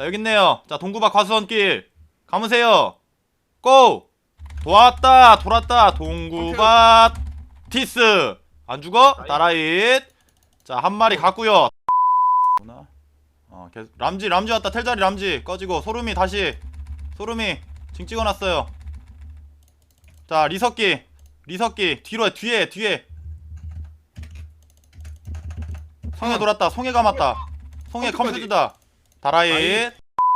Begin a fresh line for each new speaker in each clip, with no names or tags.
여기 있네요. 자, 동구박 과수원길 감으세요. 고! 돌았다 동구밭 티스 안 죽어? 나라잇. 자, 한 마리 갔구요. 람지 왔다. 텔자리 람지 꺼지고 소름이 다시 소름이 징 찍어놨어요. 자, 리석기 뒤로 뒤에 성에 돌았다. 성에 감았다. 성에 컴퓨터다. 다라잇.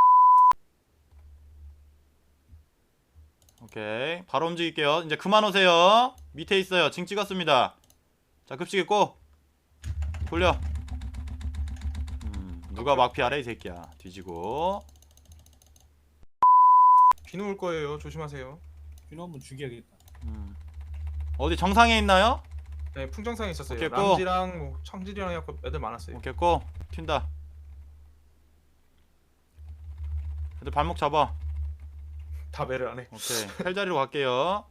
오케이, 바로 움직일게요. 이제 그만 오세요. 밑에 있어요. 징 찍었습니다. 자, 급식에 꼭 돌려. 누가 막피하래 이 새끼야. 뒤지고.
비누 올 거예요. 조심하세요.
비누 한번 죽여야겠다.
어디 정상에 있나요?
네, 풍정상에 있었어요.
오케이, 고.
람지랑 뭐 청질이랑 약간 애들 많았어요.
오케이, 고. 튄다. 애들 발목 잡아.
다 매를 안 해.
오케이, 텔자리로 갈게요.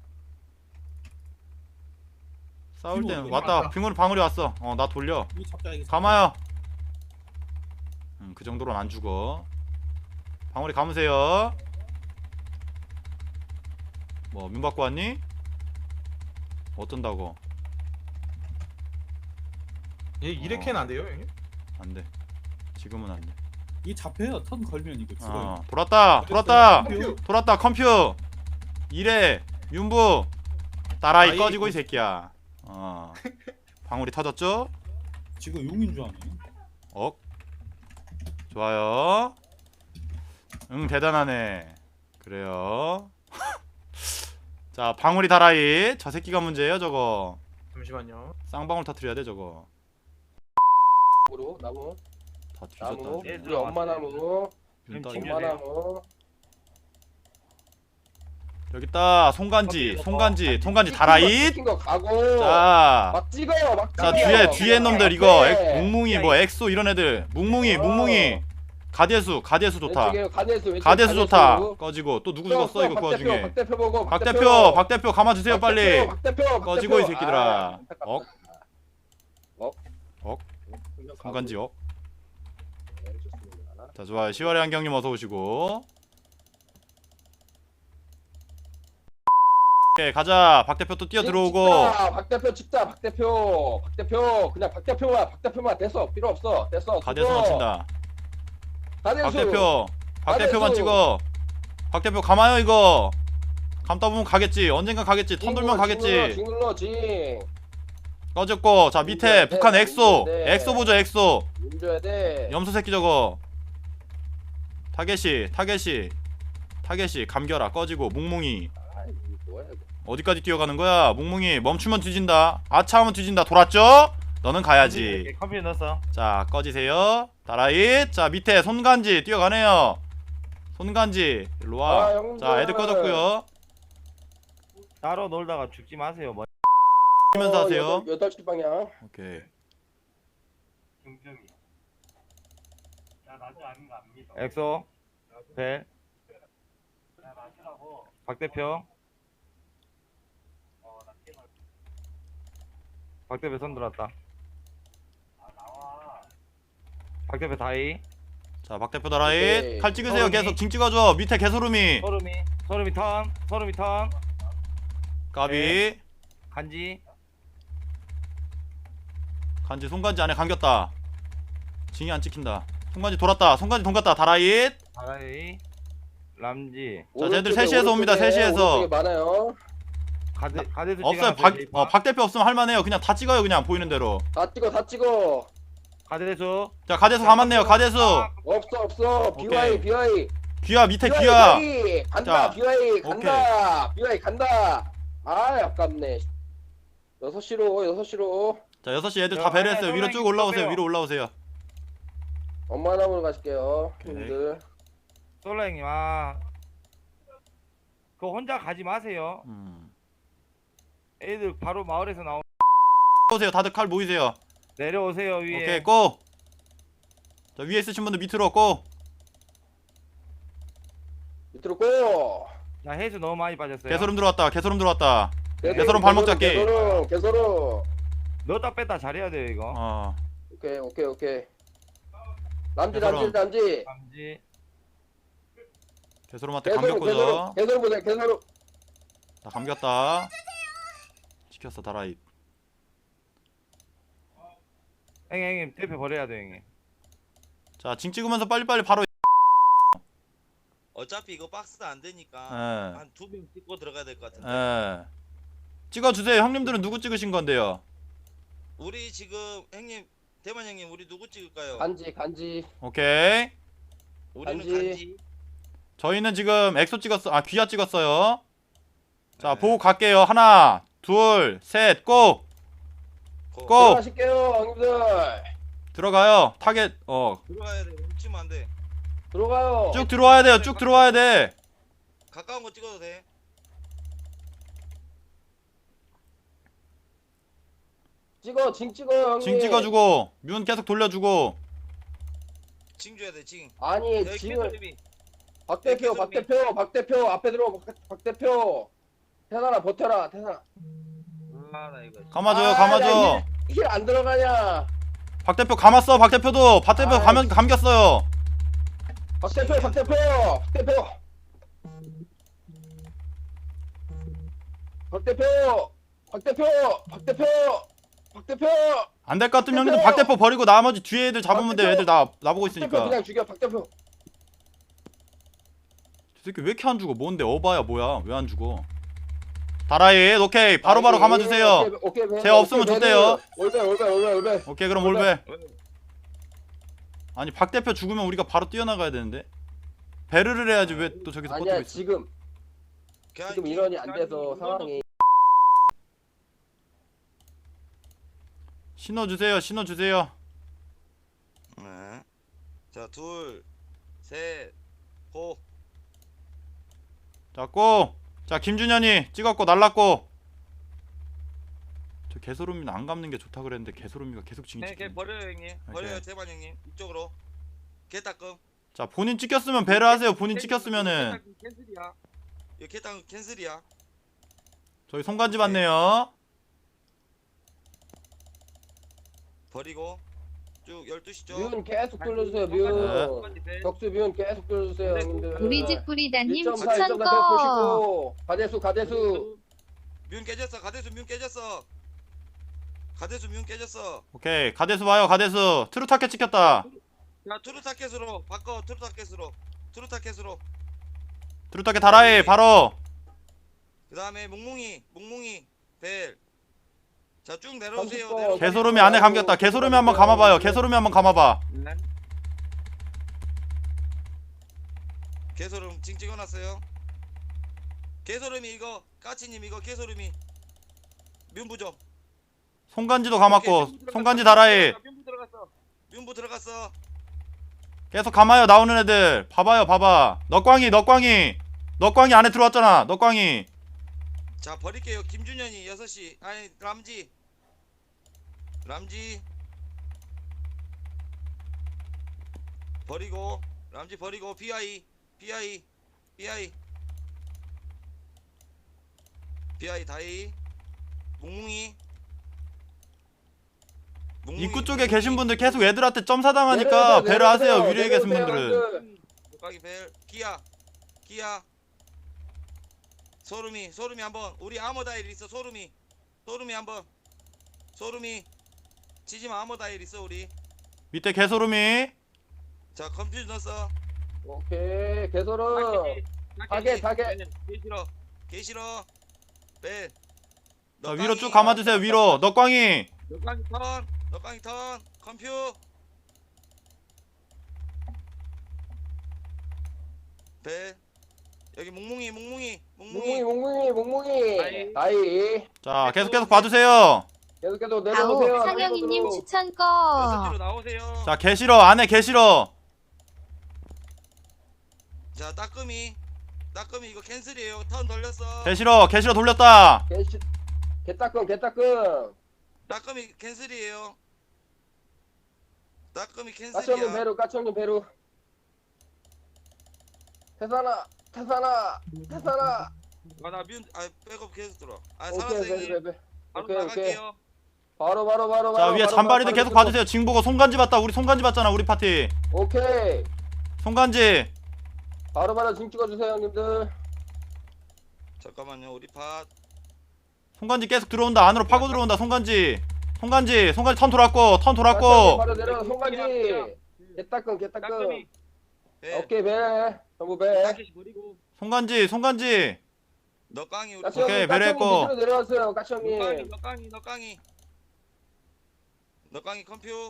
싸울
빙우
때는
왔다.
왔다. 빙우리 방울이 왔어. 나 돌려.
이거 잡자 이거.
감아요. 그 정도로는 안 죽어. 방울이 감으세요. 뭐 민 받고 왔니? 어쩐다고?
얘 이레켄 안 돼요, 형님?
안 돼. 지금은 안 돼.
이게 잡혀요. 턴 걸면 이거 죽어요.
돌았다. 컴퓨. 이래 윤부 따라이
아이,
꺼지고 이 새끼야. 방울이 터졌죠?
지금 용인 줄 아네.
좋아요. 대단하네. 그래요. 자, 방울이 다라이. 저 새끼가 문제예요 저거.
잠시만요.
쌍방울 터트려야 돼 저거.
나무
다 뒤졌다.
나무 우리 엄마 나무
눈 떠-
엄마 나무
여기 있다. 송간지 다라이.
시킨 거 가고
자,
막 찍어요 막
자,
찍어요.
뒤에 놈들 이거
네.
뭉뭉이 뭐 엑소 이런 애들 뭉뭉이 가대수 좋다.
왼쪽에 가대수
가대수 좋다. 꺼지고 또 누구 죽었어 이거 그 와중에.
박대표 보고
박 대표 감아주세요 빨리.
박대표
꺼지고 이 새끼들아. 송간지역. 자, 좋아요. 10월의 한경님 어서 오시고. 오케이, 가자. 박 대표 또 뛰어 들어오고.
박대표 찍자 박대표 그냥 박대표만 됐어 필요 없어 됐어
가대수 놓친다. 박
가대수
대표만 찍어. 박 대표 감아요 이거. 감다 보면 가겠지. 언젠가 가겠지. 턴 돌면 가겠지.
징눌러 징
꺼졌고. 자, 밑에 북한 엑소.
네.
엑소 보죠 엑소.
문줘야 돼
염소 새끼 저거. 타겟이 감겨라. 꺼지고. 뭉뭉이
아이 뭐야 이거
어디까지 뛰어가는 거야? 뭉뭉이 멈추면 뒤진다. 아차하면 뒤진다. 돌았죠? 너는 가야지.
컴퓨터 넣었어.
자, 꺼지세요. 다라잇. 자, 밑에 손간지 뛰어가네요. 손간지 일로와.
형들.
자, 애들 꺼졌고요.
따로 놀다가 죽지 마세요. 뭐.
하면서 하세요.
8시 방향
오케이.
엑소, 벨, 박 대표, 박 대표 손 들었다. 박 대표 다이,
자, 박 대표 다라잇.
오케이.
칼 찍으세요.
서름이.
계속 징 찍어줘. 밑에 개소름이.
소름이 턴,
까비.
네. 간지,
간지 손간지 안에 감겼다. 징이 안 찍힌다. 손간지 돌았다. 손간지 돈갔다. 다라잇.
다이, 람지,
자, 쟤들 3시에서 옵니다. 3시에서.
오른쪽에 많아요
가데스
없어요. 박 대표 없으면 할만해요. 그냥 다 찍어요. 그냥 보이는 대로.
다 찍어
가데스,
자, 가대수 감았네요. 가대수.
없어
오케이.
BY
귀야 밑에 귀야.
간다
자,
BY 간다 BY 간다 아 아깝네 6시로
자, 6시 애들 다 배려했어요. 위로 쭉 올라오세요.
빼요.
위로 올라오세요.
엄마 나무로 가실게요
오케이.
형님들
솔라 형님 그거 혼자 가지 마세요. 애들 바로 마을에서
오세요. 다들 칼 모이세요.
내려오세요 위에.
오케이, 고. 자, 위에 있으신 분들 밑으로 고.
밑으로 고
자, 해수 너무 많이 빠졌어요.
개소름 들어왔다. 개소름 발목 잡기.
개소름
넣었다 뺐다 잘해야 돼요 이거.
오케이 람지
개소름.
람지
감지,
개소름한테 감겼고요.
개소름 보자 개소름.
나 감겼다. 시켰어 다라이.
형님 대표 버려야 돼 형님.
자, 징 찍으면서 빨리빨리 바로.
어차피 이거 박스가 안 되니까
예.
한 2명 찍고 들어가야 될 것 같은데.
예. 찍어주세요. 형님들은 누구 찍으신 건데요?
우리 지금 형님 대만 형님 우리 누구 찍을까요?
간지.
우리는
간지.
간지.
저희는 지금 엑소 찍었어. 아, 귀야 찍었어요. 자, 보고 갈게요. 하나, 둘, 셋, 고! 고!
들어가실게요 형님들.
들어가요. 타겟,
들어가야 돼. 훔치면 안 돼.
들어가요.
쭉 들어와야 돼요. 쭉 들어와야 돼.
가까운 거 찍어도 돼.
찍어 징 찍어요 형님.
징 찍어주고, 뮤는 계속 돌려주고.
징 줘야 돼. 징.
아니
여기
징을
캐서림이.
박 대표
개소름이.
박 대표 앞에 들어 박 대표. 태산아 버텨라 태산아.
아나 이거.
감아줘요. 감아줘.
힐 안 들어가냐.
박 대표 감았어. 박 대표도. 박 대표
아이.
감겼어요.
박 대표.
안 될 것 같으면 형님들 박 대표 버리고 나머지 뒤에 애들 잡으면
박
돼.
대표.
애들 나보고
박 대표
있으니까.
그냥 죽여 박 대표.
저 새끼 왜 이렇게 안 죽어? 뭔데? 어바야 뭐야? 왜 안 죽어? 다라이, 오케이. 바로바로 감아주세요.
오케이.
제 없으면 좋대요.
올배.
오케이, 그럼 올베. 아니, 박 대표 죽으면 우리가 바로 뛰어나가야 되는데. 배르를 해야지 왜 또 저기서 버티고
아니야
있어?
지금 인원이 안 돼서 상황이.
신호 주세요. 신호 주세요.
네. 자, 둘, 셋, 고.
자, 고. 자, 김준현이 찍었고 날랐고. 저 개소름이는 안 감는 게 좋다 그랬는데 개소름이가 계속 징이
네,
찍히네.
걔 버려요 형님. 버려요
오케이.
대만 형님. 이쪽으로. 개 닦음.
자, 본인 찍혔으면 배를 하세요. 본인 찍혔으면은
캔슬이야. 이거 개 닦음 캔슬이야.
저희 손간지 받네요.
버리고 쭉 12시 쪽.
뮤는 계속 돌려주세요.
네.
뮤. 격수 뮤는 계속 돌려주세요 형님들.
우리 집 뿌리다님
1.4,
추천
1.4
거.
보시고 가대수.
뮨 깨졌어. 가대수 뮨 깨졌어. 가대수 뮨 깨졌어.
오케이. 가데스 봐요. 가데스. 트루타켓 찍혔다.
자, 투르타켓으로 바꿔. 투르타켓으로.
트루타켓 다라이 바로.
그다음에 몽몽이 벨. 자, 쭉 내려오세요.
30번.
내려오세요.
개소름이 안에 감겼다. 개소름이 한번 감아봐요. 개소름이 한번 감아봐.
개소름 징 찍어놨어요. 개소름이 이거 까치님 이거 개소름이 뮨부 좀.
손간지도 감았고. 손간지 다라이.
뮨부 들어갔어.
계속 감아요. 나오는 애들. 봐봐요. 봐봐. 넉광이 안에 들어왔잖아. 넉광이.
자, 버릴게요. 김준현이 6시. 아니 람지 버리고. 람지 버리고. BI 다이. 몽몽이
입구 쪽에 계신 분들 계속 애들한테 점사당하니까 배를 하세요. 위로에 계신 분들은.
목각이 벨. 기아 소름이 한번. 우리 아머 다일 있어. 소름이 한번. 치지마. 아머 다일 있어 우리.
밑에 개소름이.
자, 컴퓨터 넣었어.
오케이 개소름. 타겟.
개 싫어. 벨.
자, 위로 쭉 감아주세요. 위로. 넉광이.
넉광이 턴. 컴퓨. 벨. 여기 몽몽이.
다이.
자, 계속 봐주세요.
계속
아우
내려오세요.
상영이님 추천 거.
6시로 나오세요.
자, 개싫어. 안에 개싫어.
자, 따끔이 이거 캔슬이에요. 턴 돌렸어.
개싫어 돌렸다.
개따끔.
따끔이 캔슬이에요. 따끔이
까청님
캔슬이야.
배루. 태산아.
나 백업 계속 들어.
오케이
살았어 형님. 바로
오케이.
나갈게요.
바로.
자, 위에 잔바리들 계속 봐주세요. 징 보고 손간지 봤다. 우리 손간지 봤잖아. 우리 파티.
오케이.
손간지.
바로바로 징 찍어주세요 형님들.
잠깐만요. 우리 팟.
송간지 계속 들어온다. 안으로 파고 들어온다. 송간지 턴 돌았고
바로 내려 송간지. 개따끔.
벨.
오케이 배. 전부 배.
송간지
너깡이 우리
까치
오케이,
형님
배려했고.
밑으로 내려왔어요. 까치 형님.
너깡이 컴퓨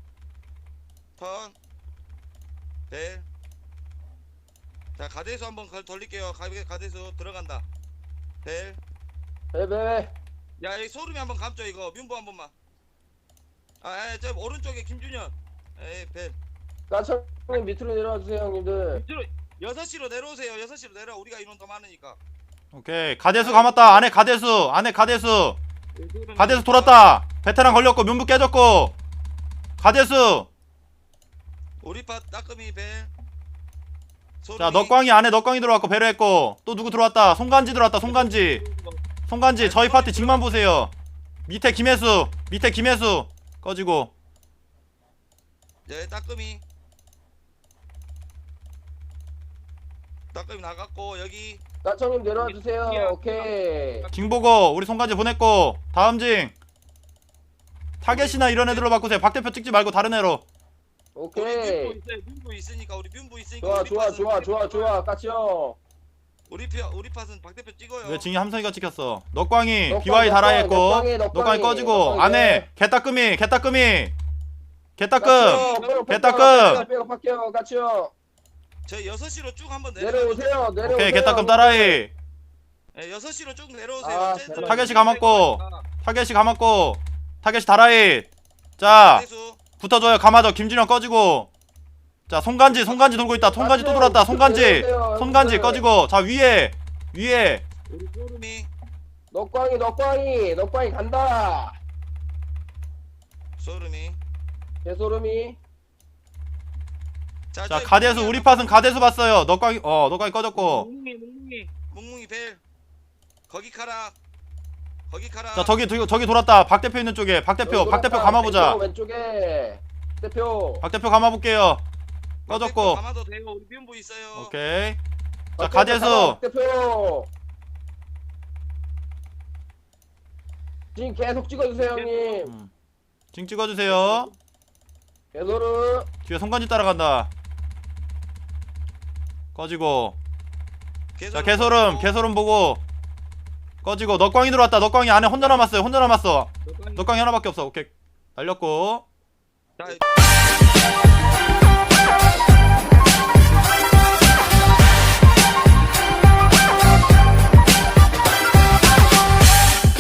턴 벨. 자 가대수 한번 돌릴게요. 가대수 들어간다. 벨.
배배.
야 이 소름이 한번 감죠 이거. 뮨보 한 번만. 저 오른쪽에 김준현. 벨.
까치 형님 밑으로 내려와주세요 형님들.
밑으로 6시로 내려오세요. 6시로 내려. 우리가 인원 더 많으니까.
오케이. 가대수 감았다. 안에 가대수 돌았다. 베테랑 걸렸고 뮨부 깨졌고 가대수.
우리 팟 따끔이 벨.
자 넉광이 안에 넉광이 들어왔고 배려했고 또 누구 들어왔다. 송간지 들어왔다. 송간지 저희 파티 직만 보세요. 밑에 김혜수 꺼지고.
네 따끔이 나갔고 여기
까치 형님 내려와주세요. 오케이.
징 보고 우리 송간지 보냈고 다음 징 타겟이나 이런 애들로 바꾸세요. 박 대표 찍지 말고 다른 애로.
오케이.
뮨보 있으니까 우리 뮨보 있으니까
좋아 까치 형.
우리 팟은 박 대표 찍어요.
왜 징이 함성이가 찍혔어. 넉광이
넉광,
BY 달아 했고
넉광이,
넉광이 꺼지고
넉광이,
안에 개따끔이 개따끔
백업할게요 까치 형.
저희 6시로 쭉 한번
내려오세요.
오케이 개따끔 따라해.
6시로 쭉 내려오세요.
아,
쟤들.
타겟이 감았고 타겟이 달아잇. 자
대수.
붙어줘요. 감아줘. 김진영 꺼지고. 자 송간지 돌고 있다. 송간지 또 돌았다. 송간지 꺼지고. 자 위에
우리 소름이
넉광이 간다.
소름이.
개소름이.
자 가대수 우리 팟은 가대수 봤어요. 넉광이 꺼졌고.
뭉뭉이 벨. 거기 카라.
자 저기 돌았다. 박 대표 있는 쪽에 박 대표 감아보자.
왼쪽에 대표.
박 대표 감아볼게요. 꺼졌고.
아마도 돼요. 우리 뮨보 있어요.
오케이. 자 가대수
대표. 지금 계속 찍어주세요 형님.
징 찍어주세요.
개소름.
뒤에 송간지 따라간다. 꺼지고. 자 개소름 보고 꺼지고. 넉광이 들어왔다. 넉광이 안에 혼자 남았어. 넉광이 하나밖에 없어. 오케이. 날렸고.
자